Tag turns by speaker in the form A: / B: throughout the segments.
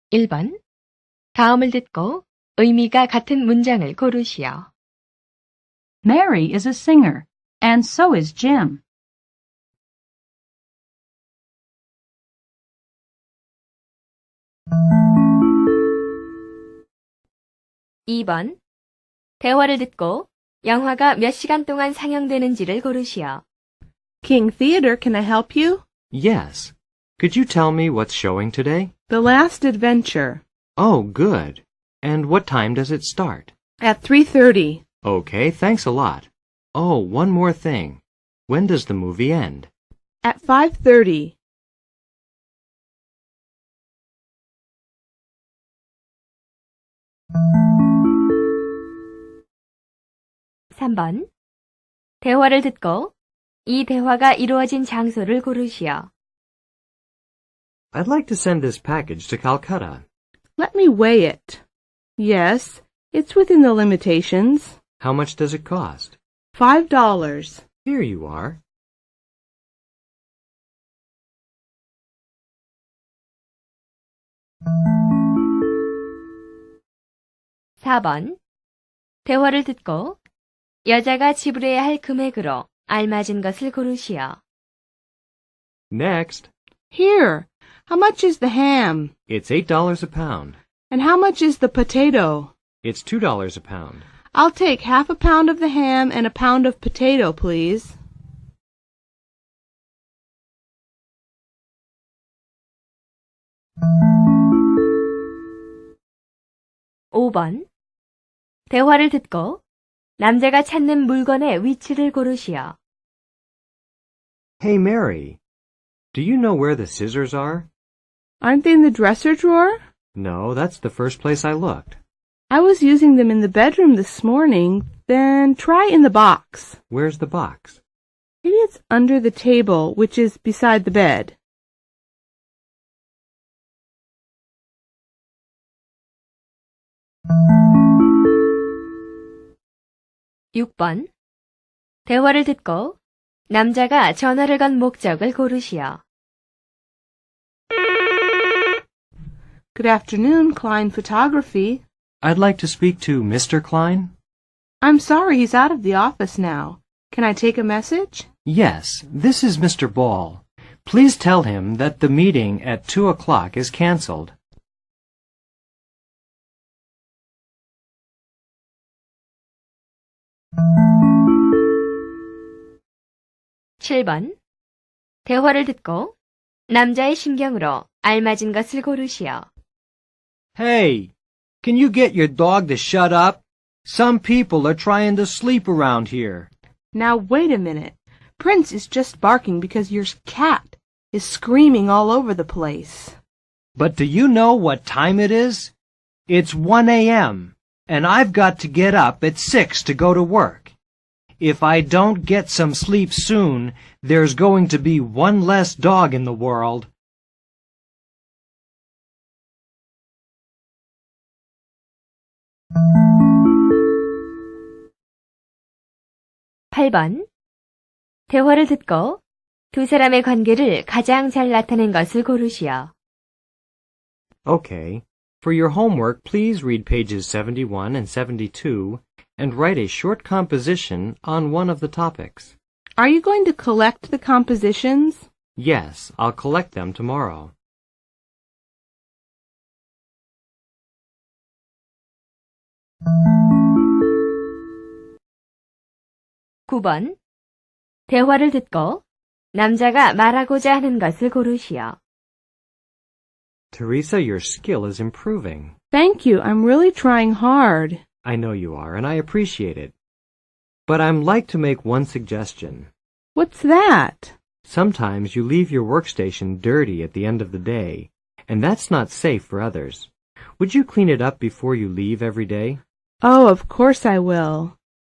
A: 1번. 다음을 듣고 의미가 같은 문장을 고르시오.
B: Mary is a singer, and so is Jim.
A: 2번. 대화를 듣고 영화가 몇 시간 동안 상영되는지를 고르시오.
C: King Theater, can I help you?
D: Yes. Could you tell me what's showing today?
C: The Last Adventure.
D: Oh, good. And what time does it start?
C: At 3:30.
D: Okay, thanks a lot. Oh, one more thing. When does the movie end?
C: At 5:30.
A: 3번. 대화를 듣고 이 대화가 이루어진 장소를 고르시오.
D: I'd like to send this package to Calcutta.
C: Let me weigh it. Yes, it's within the limitations.
D: How much does it cost?
C: $5.
D: Here you are.
A: (4번) 대화를 듣고 여자가 지불해야 할 금액으로 알맞은 것을 고르시오.
D: Next.
C: Here, how much is the ham?
D: It's $8 a pound.
C: And how much is the potato?
D: It's $2 a pound.
C: I'll take half a pound of the ham and a pound of potato, please.
A: (5번) 대화를 듣고 남자가 찾는 물건의 위치를 고르시오.
D: Hey, Mary. Do you know where the scissors are?
C: Aren't they in the dresser drawer?
D: No, that's the first place I looked.
C: I was using them in the bedroom this morning. Then try in the box.
D: Where's the box?
C: Maybe it's under the table, which is beside the bed.
A: (6번) 대화를 듣고 남자가 전화를 건 목적을 고르시오.
C: Good afternoon, Klein Photography.
D: I'd like to speak to Mr. Klein.
C: I'm sorry he's out of the office now. Can I take a message?
D: Yes, this is Mr. Ball. Please tell him that the meeting at 2 o'clock is canceled.
A: (7번) 대화를 듣고 남자의 심경으로 알맞은 것을 고르시오.
E: Hey, can you get your dog to shut up? Some people are trying to sleep around here.
C: Now wait a minute. Prince is just barking because your cat is screaming all over the place.
E: But do you know what time it is? It's 1 a.m., and I've got to get up at 6 to go to work. If I don't get some sleep soon, there's going to be one less dog in the world.
A: (8번) 대화를 듣고 두 사람의 관계를 가장 잘 나타낸 것을 고르시오.
D: Okay. For your homework, please read pages 71 and 72 and write a short composition on one of the topics.
C: Are you going to collect the compositions?
D: Yes, I'll collect them tomorrow.
A: (9번) 대화를 듣고 남자가 말하고자 하는 것을 고르시오.
D: Teresa, your skill is improving.
C: Thank you. I'm really trying hard.
D: I know you are, and I appreciate it. But I'd like to make one suggestion.
C: What's that?
D: Sometimes you leave your workstation dirty at the end of the day, and that's not safe for others. Would you clean it up before you leave every day?
C: Oh, of course I will.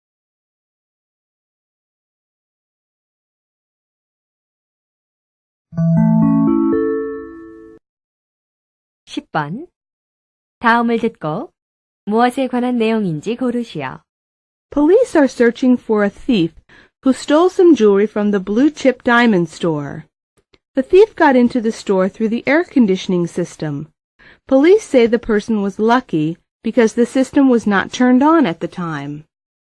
A: (10번) 다음을 듣고 무엇에 관한 내용인지 고르시오.
C: Police are searching for a thief who stole some jewelry from the Blue Chip Diamond store. The thief got into the store through the air conditioning system. Police say the person was lucky because the system was not turned on at the time.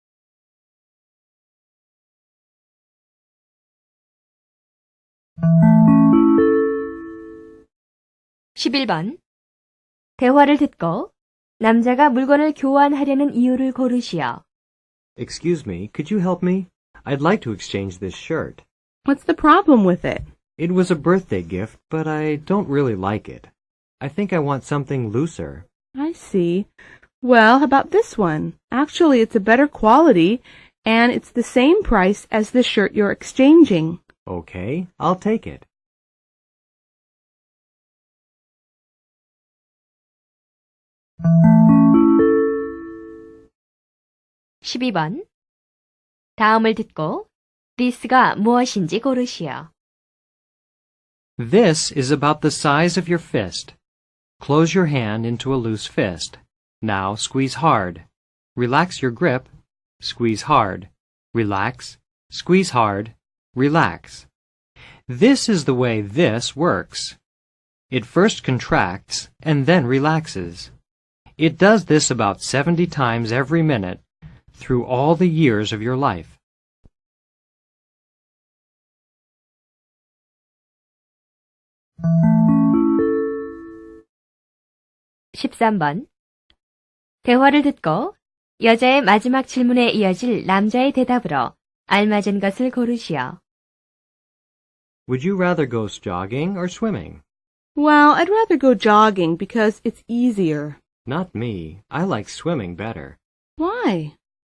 A: (11번) 대화를 듣고 남자가 물건을 교환하려는 이유를 고르시오.
D: Excuse me, could you help me? I'd like to exchange this shirt.
C: What's the problem with it?
D: It was a birthday gift, but I don't really like it. I think I want something looser.
C: I see. Well, how about this one? Actually, it's a better quality, and it's the same price as the shirt you're exchanging.
D: Okay, I'll take it.
A: (12번) 다음을 듣고 this가 무엇인지 고르시오.
E: This is about the size of your fist. Close your hand into a loose fist. Now squeeze hard. Relax your grip. Squeeze hard. Relax. Squeeze hard. Relax. This is the way this works. It first contracts and then relaxes. It does this about 70 times every minute through all the years of your life.
A: (13번) 대화를 듣고 여자의 마지막 질문에 이어질 남자의 대답으로 알맞은 것을 고르시오.
D: Would you rather go jogging or swimming?
C: Well, I'd rather go jogging because it's easier.
D: Not me. I like swimming better.
C: Why?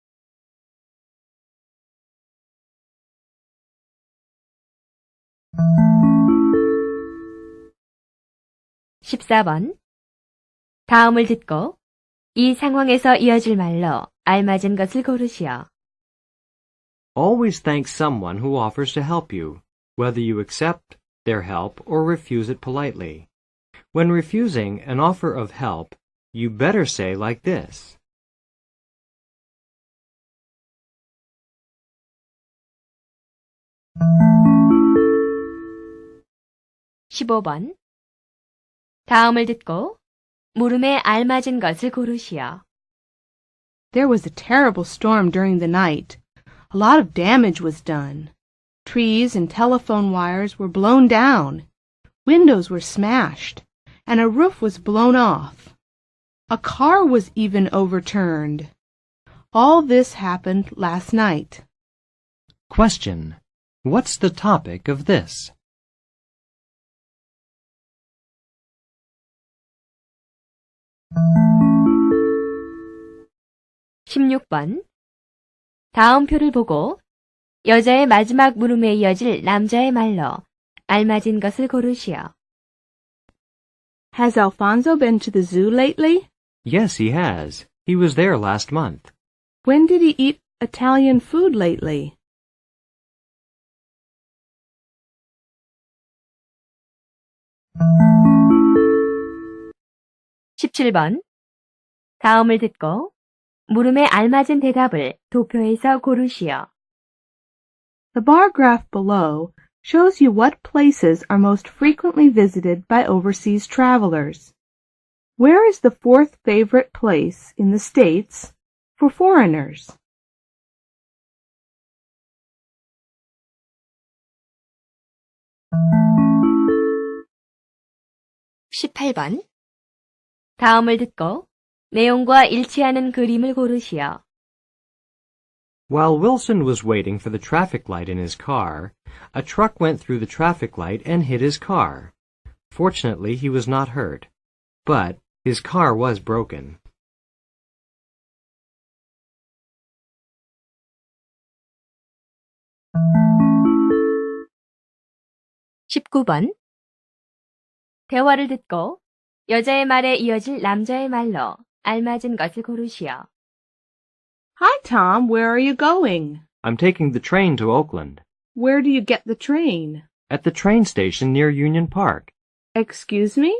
A: (14번) 다음을 듣고 이 상황에서 이어질 말로 알맞은 것을 고르시오.
D: Always thank someone who offers to help you, whether you accept their help or refuse it politely. When refusing an offer of help, you better say like this.
A: (15번) 다음을 듣고 물음에 알맞은 것을 고르시오.
C: There was a terrible storm during the night. A lot of damage was done. Trees and telephone wires were blown down. Windows were smashed, and a roof was blown off. A car was even overturned. All this happened last night.
E: Question. What's the topic of this?
A: (16번) 다음 표를 보고 여자의 마지막 물음에 이어질 남자의 말로 알맞은 것을 고르시오.
C: Has Alfonso been to the zoo lately?
D: Yes, he has. He was there last month.
C: When did he eat Italian food lately?
A: (17번) 다음을 듣고 물음에 알맞은 대답을 도표에서 고르시오.
C: The bar graph below shows you what places are most frequently visited by overseas travelers. Where is the fourth favorite place in the States for foreigners?
A: (18번) 다음을 듣고 내용과 일치하는 그림을 고르시오.
D: While Wilson was waiting for the traffic light in his car, a truck went through the traffic light and hit his car. Fortunately, he was not hurt, but his car was broken.
A: (19번) 대화를 듣고 여자의 말에 이어질 남자의 말로 알맞은 것을 고르시오.
C: Hi, Tom. Where are you going?
D: I'm taking the train to Oakland.
C: Where do you get the train?
D: At the train station near Union Park.
C: Excuse me?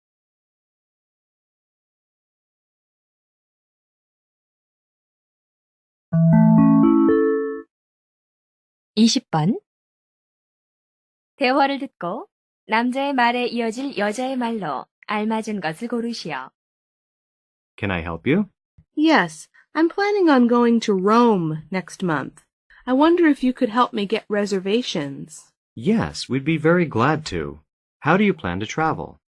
A: (20번) 대화를 듣고 남자의 말에 이어질 여자의 말로 알맞은 것을 고르시오.
D: Can I help you?
C: Yes, I'm planning on going to Rome next month. I wonder if you could help me get reservations.
D: Yes, we'd be very glad to. How do you plan to travel?